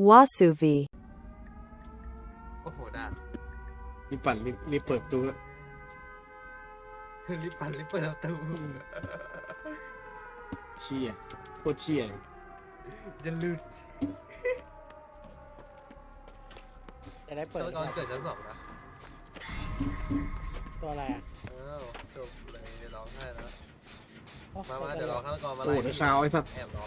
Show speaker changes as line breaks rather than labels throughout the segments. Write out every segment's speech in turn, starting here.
Wasuvi.
โอ้โหด่า
รีบปั่นรีบเปิดประตู
รีบปั่นรีบเปิดประตู
เชี่ยโคตรเชี่ย
จะหลุด
จะได้เปิด
ฆาตกรเกิดชั้น 2นะ
ตัวอะไรอ่ะ
อ้าวจบเลยร้องไห้แล้ว
โอ้
มาเดี๋ยวรอฆาตกรมา
โอ้
ไล่
โหแต่เช้าไอ้สัตว์
แอบรอ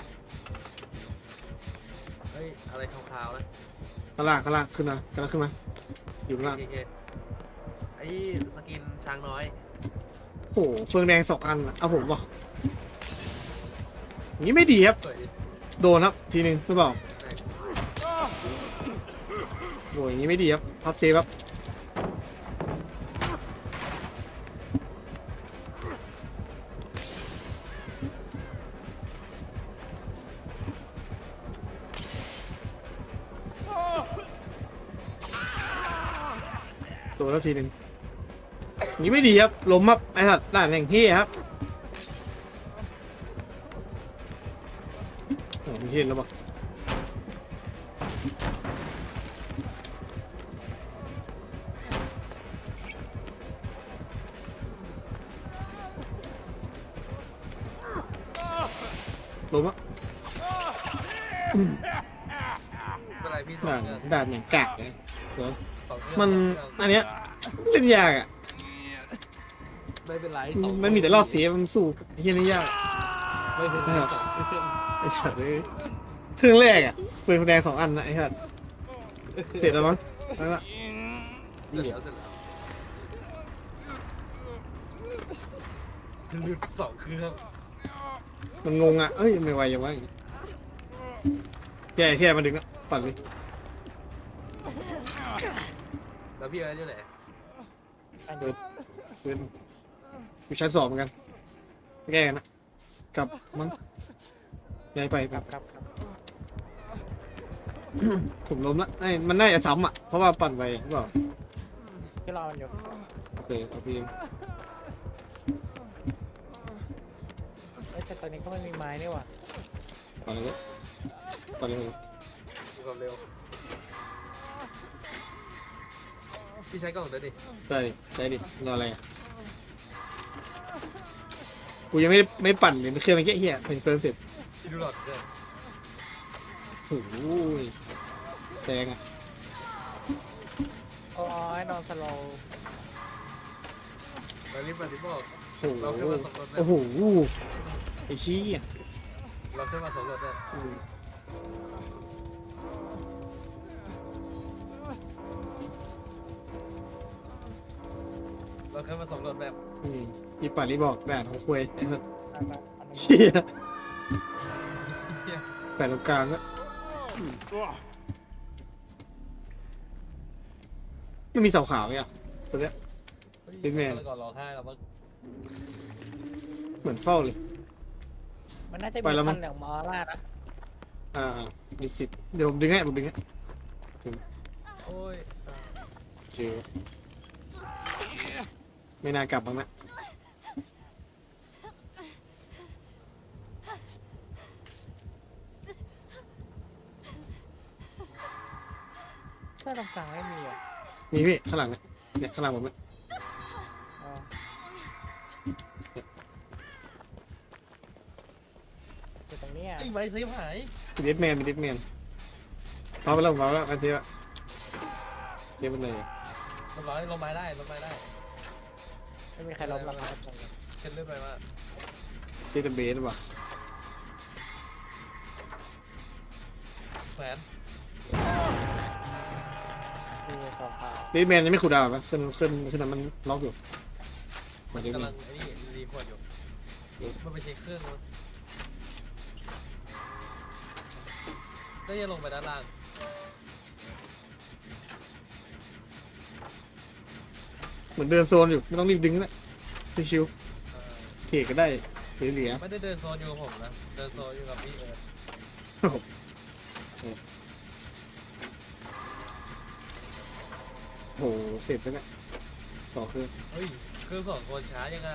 เฮ้ยอะไรขาวๆนะ
ข้างล่างขึ้นมากำลังขึ้นมาอยู่ข้างล่าง
โอเคไอ้สกินช้างน้อย
โอ้โหเฟืองแดง2 อันเอาผมบอกอย่างนี้ไม่ดีครับ
สวยดิ
โดนครับทีนึงหรือเปล่า
ใช่
โอ้ยอย่างนี้ไม่ดีครับพับเซฟครับโดนแล้วทีนึงอย่างนี้ไม่ดีครับล้มครับไอ้สัตว์ด่านแห่งที่ครับโอ้มีเห็นแล้วปะล้มอ่ะ
เป็นไรพี่สอง
ด่าน
เครื่อง
ด่านอย่างกากเลยเดี๋ยว
สองเครื่อง
มัน
สองเครื่อง
อันเนี้ยเล่นยากอ่ะ
ไม่เป็นไรสอง
มันมีแต่รอบเสียมันสู้ไอ้เฮียนี่ยาก
ไม่เป็นไรสองเครื่อง
ไอ้สัตว์เลยเครื่องแรกอ่ะเฟืองแดง2 อันนะไอ้สัตว์เสร็จแล้วมั้งแล้วก็
เสร็จแล้วจะหลุดสองเครื่อง
มันงงอ่ะเอ้ยไม่ไหวยังวะแค่มาดึงอ่ะปั่นเลย
แล้วพี่เอิร์ธอยู่ไหน
เดินอยู่ชั้น 2เหมือนกันแก้กันนะกลับมั้งย้ายไปครับ
ครับ
ผมล้มละมันน่าจะซ้ำอ่ะเพราะว่าปั่นไปหรือเปล่า
ที่รอมันอยู่
โอเคเอาพีม
เอ้ยแต่ตอนนี้ก็ไม่มีไม้นี่หว่า
ปั่นเลยปั่นเลย
ดูความเร็วพี่ใช้กล่องเดี๋ยวดิ
ได้ใช้ดิรออะไรอ่ะกูยังไม่ปั่นเลยมันเครื่องมันแค่เหี้ยเพิ่มเสร็จ
พี่ดูหลอดด้วย
โอ้โหแซงอ่ะ
โอ้ยนอนสโลว์
เรารีบมาที่บอก
โอ้โห
เราขึ้นมาสำรวจแบบ
โอ้โหไอ้ชี้อ่ะ
เราขึ้นมาสำรวจแบบ
อืม
เราขึ้นมาสำรวจแบบ
อีป่ารีบอกด่านของควยไอ้สัส
อันนี้
เชี่ย
เหี้ย
แปดตรงกลางก็ไม่มีเสาขาวเนี่ยตัวเนี้ย บิ๊กแมน
ก่อนร้องไห้แล้วมั้ง
เหมือนเฝ้าเลย
มันน่าจะ
ไป
มี
แล้วมั้
พั
ง
นเหลืองมอล่านะ
มีสิทธิ์เดี๋ยวผมดึงให้ผมดึงให้
โอ้ย
เจอไม่น่ากลับบ้างนะ
เสื้อตรงกลางไม่มีอ่ะ
มีพี่ข้างหลังเนี่ยข้างหลังผมเนี่ย
อ๋ออยู่ตรงเนี้ย
ไอ้ใบเซฟหาย
มีเดดแมนเอาไปแล้วผมเอาแล้วอันเทียเสียไปเลย
ลงร้อยลงไม้ได้ลงไม้ได้
ไม่มีใครล้มหรอกครับตรงนี้
เช็ดเลือดไปว่า
เสียแต่เบสว่ะ
แขวน
มีสองขา
เดดแมนยังไม่คูลดาวน์ปะขึ้นนั้นมันล็อกอยู่มันจะ
กำ
มี
ลังไอ้นี่รีพอร์ตอยู่มันไปเช็คเครื่องแล้วได้ยังลงไปด้านล่าง
เหมือนเดินโซนอยู่ไม่ต้องรีบดึงนะชิวๆเทก็ได้เหลือ
ไม่ได้เดินโซนอยู่กับผมนะเดินโซนอยู่กับพี่เอิร์ธ
โหเสร็จแล้วเนี่ย2 เครื่อง
เฮ้ยเครื่อง2 คนช้ายังไง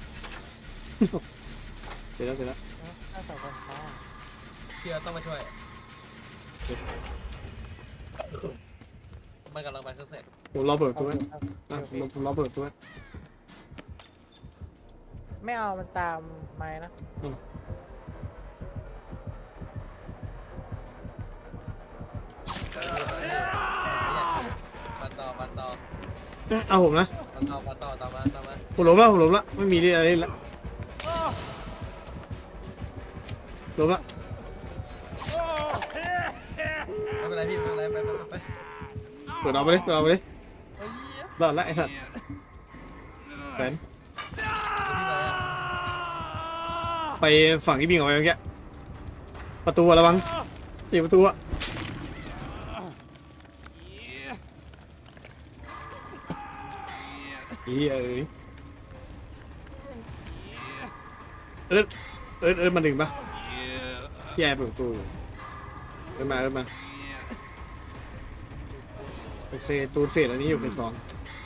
เสร็จแล้ว
ถ้าสองคนช้า
พี่เอิร์ธต้องมาช่วยมันกำลังไปเครื่องเสร็จ
ผมรอเปิดประ
เอา
ตัว
อยู่
นะ
เอา
ผมรอเปิดประตัว
ไม่เอามันตามไม้นะ
ปันต่อ
เอาผมนะ
ปันต่อตามมา
ผมล้มแล้วไม่มีอะไรเล่นละล้มละ
ไม่เป็นไรพี่ไม่เป็นไรไป
เปิดเอาไปเลยรอดละไอ้สัตว์แฟนไปฝั่งที่บิงออกไปเมื่อกี้ประตูระวังตีประตูอะเอิร์ดมาดึงปะแย่เปิดประตูเอิร์ดมาโอเคตูนเฟสอันนี้อยู่เฟส 2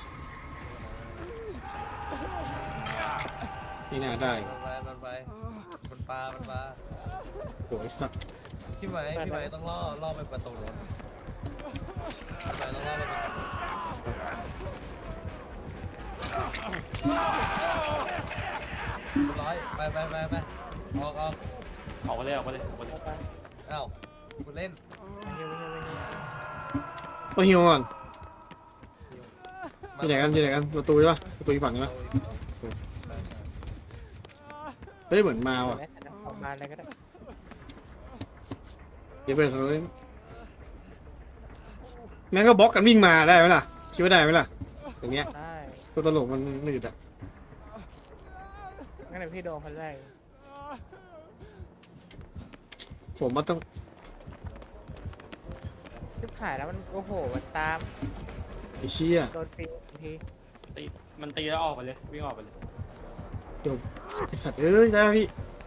นี่น่าได้
มันปลา
โอ้ยสัตว์
พี่ไหมต้องล่อไปประตูรถพี่ไหมต้องล่อไปประตูร้อยไปออก
ออกมาเลย
เอาไป
เอ้าคุณเล่น
ไม่เฮีย
ต้องฮิวก่อนอยู่ไหนกันประตูใช่ปะประตูอีกฝั่งใช่ปะเฮ้ยเหมือนมาว่ะ
ออกมาอะไรก็ได้
เดี๋ยวเปิดทางนู้นแม่งก็บล็อกกันวิ่งมาได้ไหมล่ะคิดว่าได้ไหมล่ะอย่างเงี้ย
ได้
ตัวตลกมันหนืดอะ
งั้นเดี๋ยวพี่โดนคนแรก
ผมว่าต้อง
ชิบขายแล้วมันโอ้โหมันตาม
ไอ้เชี่ย
โดนปีที
มันตีแล้วออกไปเลยวิ่งออกไปเลย
ไอสัตว์เอ้ยได้ไหมพี่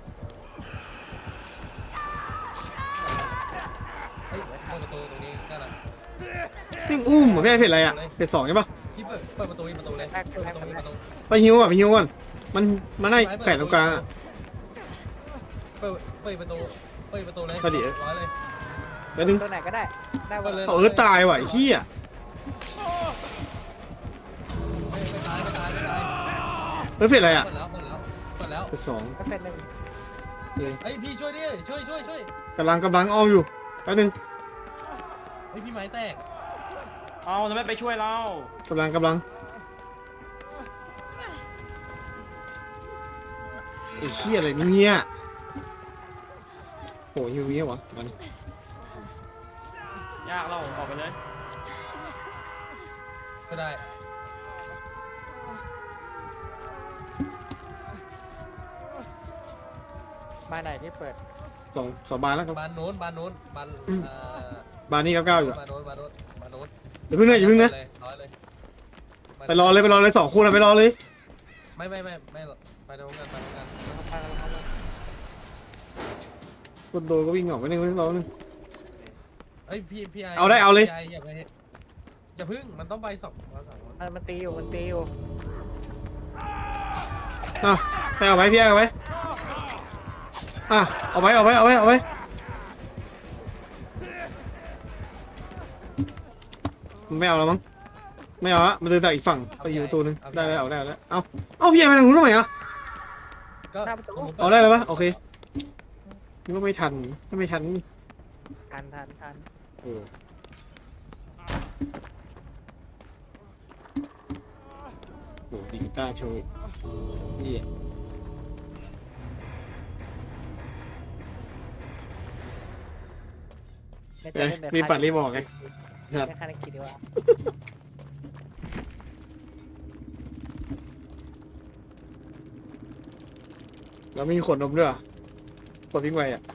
เฮ้ยประตูตรงนี้ก็นะ
นี่อุ้มเหมือนไม่ได้เพจอะไรอะเพจ 2ใช่ปะ
พี่เปิดประตูเลยประตู
ไปฮิวก่อนมันได้แฝงตรงกลางอะ
เปิดประตูเลย
พอดี
ร้อยเลย
แล้วนึง
ตัวไหนก็ได้ได้วัน
เอาเอิร์ธตายว่ะไอ้เหี้ย
ไม่ตาย
เฮ้ยเพจอะไรอะ
เปิดแล้ว
เพจ 2
ก็เป็นหนึ่ง
ไอ้พี่ช่วยดิช่วย
กำลังอ้อมอยู่แล้วนึง
ไอ้พี่ไม้แตก
เอาแล้วไม่ไปช่วยเรา
กำลังไอ้เหี้ยอะไรเนี่ยโหฮิวเงี้ยวะมัน
ยากเราออกไปเลย
ก็ได้
มาไหนที่เปิด
สองบานแล้วครับ
บานโน้นบาน
บานนี้9อยู่อะ
บานโน้น
อย่าเพิ่งนะ
ร้อยเลย
ไปรอเลย2 คู่นะไปรอเลย
ไม่ไปตรงกัน
คนโดนก็วิ่งออกไปนึงรอนึง
เอ้ยพี่ไอ
เอาเลย
อย่าพึ่งมันต้องไปสอง
มันตีอยู่
อ่ะให้เอาไว้พี่เอาไว้อ่ะเอาไว้มันไม่เอาแล้วมั้งไม่เอาละมันเดินจากอีกฝั่งไปอยู่ตัวนึงได้แล้วเอาพี่ไปทางนู้นทำไมอ่ะ
ก็
เอาได้แล้วปะโอเคนึกว่าไม่ทันถ้าไม่ทันนี่
ทัน
เออโหดีกีตาร์โชว์นี่รีบปัดรีบบอกไงครับ
ไม่คันคิดดีว่า
แล้วมีขนนมด้วยกดวิ่งไวอ่ะ